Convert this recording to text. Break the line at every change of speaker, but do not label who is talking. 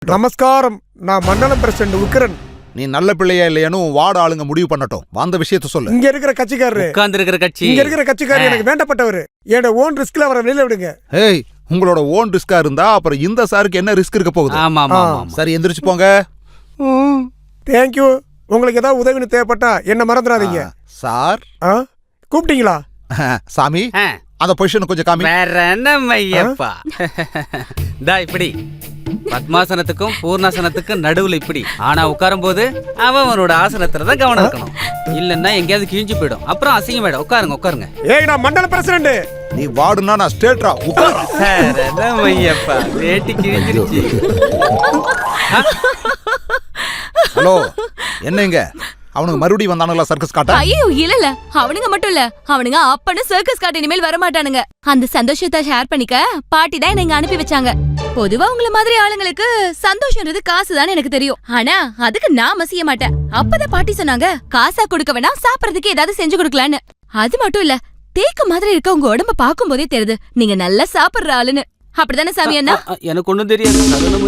நமஸ்காரம். நான் மண்டலம் பிரசிடண்ட் உக்கிரன்.
நீ நல்ல பிள்ளையா இல்லையானு வார்டு ஆளுங்க முடிவு பண்ணட்டும். வந்த விஷயத்த சொல்லு.
இங்க இருக்கிற கட்சிக்காரரு இங்க இருக்கிற கட்சிக்காரர் எனக்கு வேண்டப்பட்டவர். என்னோட ஓன் ரிஸ்க்ல அவரை வெளியில விடுங்க.
ஏய், உங்களோட ஓன் ரிஸ்கா இருந்தா அப்புறம் இந்த சாருக்கு என்ன ரிஸ்க் இருக்க போகுது? சரி, எந்திரிச்சு போங்க.
தேங்க்யூ. உங்களுக்கு ஏதாவது உதவின்னு தேவைப்பட்டா என்ன மறந்துடாதீங்க.
சார்
கூப்பிட்டீங்களா?
சாமி, அந்த பொசிஷன் கொஞ்சம் காமி.
வேற என்ன மையப்பா? தா இப்படி பத்மாசனத்துக்கும் பூர்ணாசனத்துக்கும் நடுவுல இப்படி. ஆனா உட்காரும் போது அவனோட ஆசனத்துல தான் கவனம் இருக்கணும். இல்லன்னா எங்கேயாவது கிழிஞ்சு போயிடும், அப்புறம் அசிங்கமாயிடும். உட்காருங்க உட்காருங்க.
ஏய், நான் மண்டல பிரசிடண்ட்.
நீ வார்டுனா நான் ஸ்டேட்ரா. உட்காரு.
வேற என்ன மையப்பா, வேட்டி கிழிஞ்சிருச்சு.
ஹலோ, என்னங்க அவனுக்கு மறுபடியும் வந்தானுங்களா சர்க்கஸ் காட்ட?
ஐயோ இல்ல, அவனுங்க மட்டும் இல்ல, அவனுங்க அப்பனும் சர்க்கஸ் காட்ட இனிமேல் வர மாட்டானுங்க. அந்த சந்தோஷத்தை ஷேர் பண்ணிக்க பாட்டி தான் என்ன அனுப்பி வச்சாங்க. பொதுவா உங்கள மாதிரி ஆளுங்களுக்கு சந்தோஷம்ன்றது காசுதான் எனக்கு தெரியும். ஆனா அதுக்கு நான் செய்ய மாட்டேன். அப்பதான் பாட்டி சொன்னாங்க, காசா கொடுக்க வேணா, சாப்பிடறதுக்கு ஏதாவது செஞ்சு கொடுக்கலான்னு. அது மட்டும் இல்ல, தேக்கு மாதிரி இருக்க உங்க உடம்ப பாக்கும் போதே தெரியுது நீங்க நல்லா சாப்பிடுற ஆளுன்னு. அப்படித்தானே சாமி அண்ணா?
எனக்கு ஒண்ணும் தெரியாது.